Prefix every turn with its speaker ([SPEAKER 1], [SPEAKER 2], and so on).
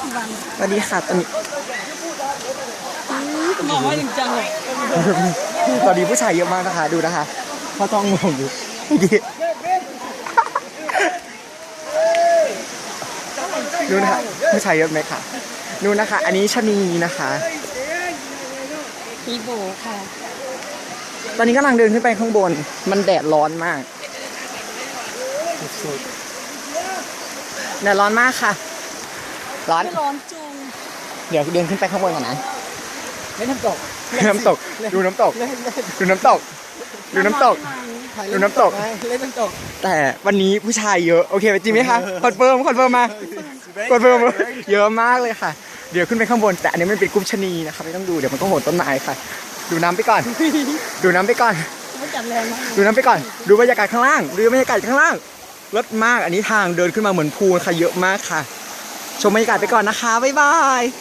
[SPEAKER 1] สวัสดีค่ะตอนนี้
[SPEAKER 2] มองว่าจริงจังเลย
[SPEAKER 1] ตอนนี้ผู้ชายเยอะมากนะคะดูนะคะเขาต้องงงอยู่ดูนะคะผู้ชายเยอะไหมคะดูนะคะ อันนี้ชะนีนะคะ
[SPEAKER 2] ฮีโบค่ะ
[SPEAKER 1] ตอนนี้กำลังเดินขึ้นไปข้างบนมันแดดร้อนมากแดดร้อนมากค่ะร้อน
[SPEAKER 2] ไม่ร้อนจุง
[SPEAKER 1] เดี๋ยวเดินขึ้นไปข้างบนก่อนนะ
[SPEAKER 2] เล่นน้ำตก
[SPEAKER 1] น้ำตกดูน้ำตกดูน้ำตกดูน้ำตกดูน้ำตก
[SPEAKER 2] เล่นน้ำตก
[SPEAKER 1] แต่วันนี้ผู้ชายเยอะโอเคจริงไหมคะคอนเฟิร์มมาคอนเฟิร์มเยอะมากเลยค่ะเดี๋ยวขึ้นไปข้างบนแต่อันนี้มันเป็นกลุ่มชะนีนะคะไม่ต้องดูเดี๋ยวมันก็โหดต้นไม้ค่ะ ดูน้ำไปก่อน ดูน้ำไปก่อน
[SPEAKER 2] ไม่จัดแรงมาก
[SPEAKER 1] ดูน้ำไปก่อนดูบรรยากาศข้างล่างดูบรรยากาศข้างล่างรถมากอันนี้ทางเดินขึ้นมาเหมือนพูลค่ะเยอะมากค่ะชมบรรยากาศไปก่อนนะคะบ๊ายบาย